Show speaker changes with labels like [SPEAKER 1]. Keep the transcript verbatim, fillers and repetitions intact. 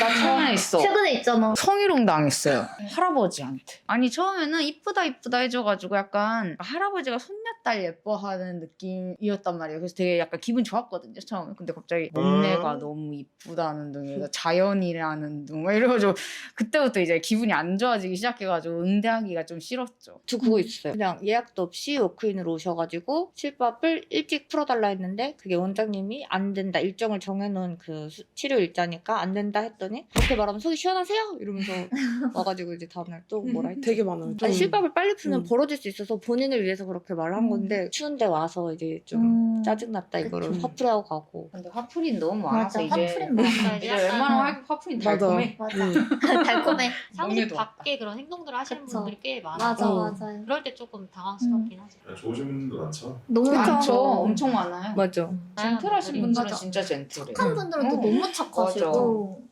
[SPEAKER 1] 나 최근에 있어.
[SPEAKER 2] 최근에 있잖아.
[SPEAKER 1] 성희롱 당했어요. 할아버지한테. 아니 처음에는 이쁘다 이쁘다 해줘가지고 약간 할아버지가 손녀딸 예뻐하는 느낌이었단 말이에요. 그래서 되게 약간 기분 좋았거든요 처음에. 근데 갑자기 몸매가 너무 이쁘다는 둥에서 자연이라는 둥 막 이래가지고 그때부터 이제 기분이 안 좋아지기 시작해가지고 응대하기가 좀 싫었죠.
[SPEAKER 3] 저 그거 있어요. 그냥 예약도 없이 워크인으로 오셔가지고 칠밥을 일찍 풀어달라 했는데 그게 원장님이 안 된다. 일정을 정해놓은 그 수- 치료 일자니까 안 된다 했더니 그렇게 말하면 속이 시원하세요? 이러면서 와가지고 이제 다음날 또 뭐라 했지?
[SPEAKER 4] 되게 많아요. 좀.
[SPEAKER 3] 아니 실밥을 빨리 풀면
[SPEAKER 4] 음.
[SPEAKER 3] 벌어질 수 있어서 본인을 위해서 그렇게 말을 한
[SPEAKER 2] 음.
[SPEAKER 3] 건데 추운데 와서 이제 좀
[SPEAKER 2] 음.
[SPEAKER 3] 짜증났다 이거를
[SPEAKER 4] 그쵸.
[SPEAKER 3] 화풀이하고 가고
[SPEAKER 1] 근데 화풀이 너무 많아서
[SPEAKER 2] 맞아,
[SPEAKER 1] 이제
[SPEAKER 2] 화풀이는 많아.
[SPEAKER 1] 이제 웬만하면 화풀이
[SPEAKER 4] 맞아.
[SPEAKER 1] 달콤해.
[SPEAKER 2] 맞아.
[SPEAKER 4] 음.
[SPEAKER 2] 달콤해.
[SPEAKER 5] 상식
[SPEAKER 1] 너네도
[SPEAKER 5] 밖에 그런 행동들을 하시는
[SPEAKER 2] 그쵸.
[SPEAKER 5] 분들이 꽤 많아요.
[SPEAKER 2] 맞아,
[SPEAKER 4] 어.
[SPEAKER 2] 맞아요.
[SPEAKER 5] 그럴 때 조금 당황스럽긴 하죠.
[SPEAKER 6] 야, 좋으신 분도 많죠.
[SPEAKER 2] 너무
[SPEAKER 1] 많죠.
[SPEAKER 2] 많죠.
[SPEAKER 1] 엄청 많아요.
[SPEAKER 3] 맞죠.
[SPEAKER 5] 음.
[SPEAKER 1] 젠틀하신
[SPEAKER 5] 분들이
[SPEAKER 1] 분들은
[SPEAKER 2] 맞아.
[SPEAKER 1] 진짜 젠틀해.
[SPEAKER 2] 착한 분들은 또
[SPEAKER 1] 어.
[SPEAKER 2] 너무 착하시고.